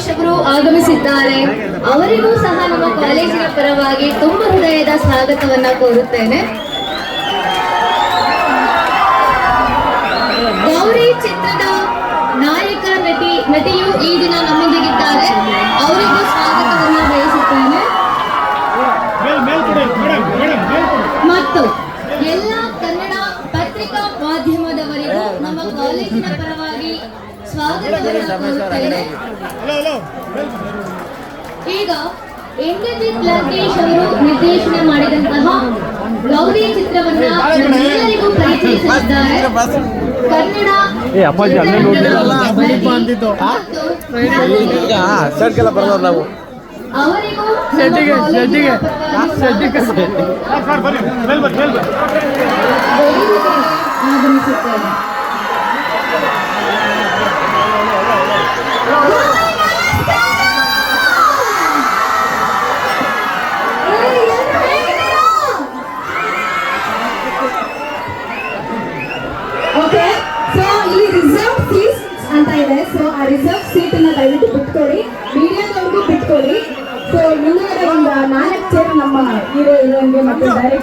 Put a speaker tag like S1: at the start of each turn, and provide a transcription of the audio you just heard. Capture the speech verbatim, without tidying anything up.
S1: ಲಂಕೇಶ್ ಅವರು ಆಗಮಿಸಿದ್ದಾರೆ. ಅವರಿಗೂ ಸಹ ನಮ್ಮ ಕಾಲೇಜಿನ ಪರವಾಗಿ ತುಂಬ ಹೃದಯದ ಸ್ವಾಗತವನ್ನ ಕೋರುತ್ತೇನೆ. ಗೌರಿ ಚಿತ್ರದ ನಾಯಕ ನಟಿ ನಟಿಯು ಈ ದಿನ ನಮ್ಮೊಂದಿಗಿದ್ದಾರೆ. ಅವರಿಗೂ ಸ್ವಾಗತವನ್ನು ಬಯಸುತ್ತೇನೆ. ಮತ್ತು ಎಲ್ಲ ಕನ್ನಡ ಪತ್ರಿಕಾ ಮಾಧ್ಯಮದವರಿಗೂ ನಮ್ಮ ಕಾಲೇಜಿನ ಪರವಾಗಿ ಸ್ವಾಗತವನ್ನು ಕೋರುತ್ತೇನೆ. ಈಗ ಇಂದ್ರಜಿತ್ ಲಂಕೇಶ್ ಅವರು ನಿರ್ದೇಶನ ಮಾಡಿದಂತಹ ಗೌರಿ ಚಿತ್ರವನ್ನ ಎಲ್ಲರಿಗೂ ಪರಿಚಯಿಸಿದ್ದಾರೆ. ಕನ್ನಡ ಅವರಿಗೂ ಆಗಮಿಸುತ್ತೇನೆ.
S2: ಓಕೆ, ಸೊ ಇಲ್ಲಿ ರಿಸರ್ವ್ ಸೀಟ್ಸ್ ಅಂತ ಇದೆ. ಸೊ ಆ ರಿಸರ್ವ್ ಸೀಟ್ ಅನ್ನ ದಯವಿಟ್ಟು ಬಿಟ್ಕೊಡಿ, ಮೀಡಿಯಾದವ್ರಿಗೂ ಬಿಟ್ಕೊಡಿ. ಸೊ ಮುಂದೆ ಒಂದು ನಾಲ್ಕು ಚೇರ್ ನಮ್ಮ ಹೀರೋ ಹೀರೋಯಿನ್ಗೆ ಮತ್ತು ಡೈರೆಕ್ಟರ್